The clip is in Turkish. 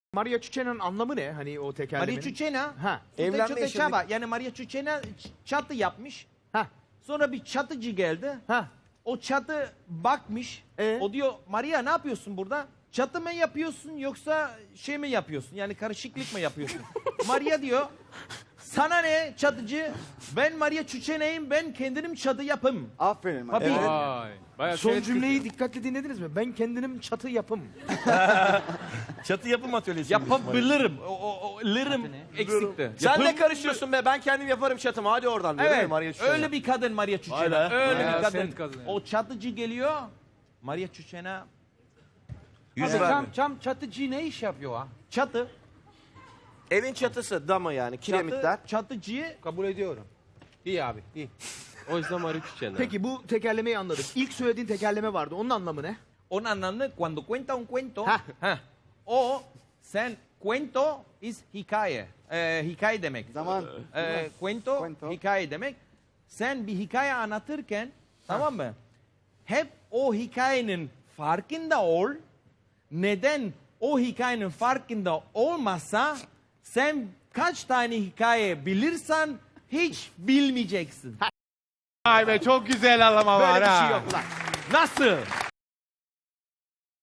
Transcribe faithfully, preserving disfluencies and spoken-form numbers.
Maria Chuchenna'nın anlamı ne? Hani o tekerlemenin. Maria Chuchena, Ha. evlenme çaba. Yani Maria Chuchena çatı yapmış. Ha. Sonra bir çatıcı geldi. Ha. O çatı bakmış. Ee? O diyor Maria ne yapıyorsun burada? Çatı mı yapıyorsun yoksa şey mi yapıyorsun? Yani karışıklık mı yapıyorsun? Maria diyor sana ne çatıcı? Ben Maria Chuchena'yım, ben kendim çatı yapım. Aferin. Tabii. Evet. Vay. Bayağı Son şey cümleyi dikkatli dinlediniz mi? Ben kendinim çatı yapım. Çatı yapım atölyesi. Yapabilirim. O, o, o lirim eksikti. Sen Yapım- ne karışıyorsun be? Ben kendim yaparım çatımı. Hadi oradan. Diyor, değil mi Evet, Maria Chuchena? öyle bir kadın Maria Chuchena. Vay be. Öyle Bayağı bir kadın. sert kadın yani. O çatıcı geliyor. Maria Chuchena Yüz Abi verdi. cam, cam çatıcı ne iş yapıyor ha? çatı. Evin çatısı, damı yani, kiremitler. Çatı, çatıcıyı Kabul ediyorum. İyi abi, iyi. O yüzden Maria Chuchena. Peki bu tekerlemeyi anladık. İlk söylediğin tekerleme vardı. Onun anlamı ne? onun anlamı cuando cuenta un cuento. Ha. Ha. O sen cuento is hikaye. Ee, hikaye demek. Zaman. Ee, cuento, Cuento. hikaye demek. Sen bir hikaye anlatırken tamam mı? Hep o hikayenin farkında ol. Neden o hikayenin farkında olmazsa sen kaç tane hikaye bilirsen hiç bilmeyeceksin. Vay be çok güzel alama var Böyle bir ha. şey yok lan. Nasıl?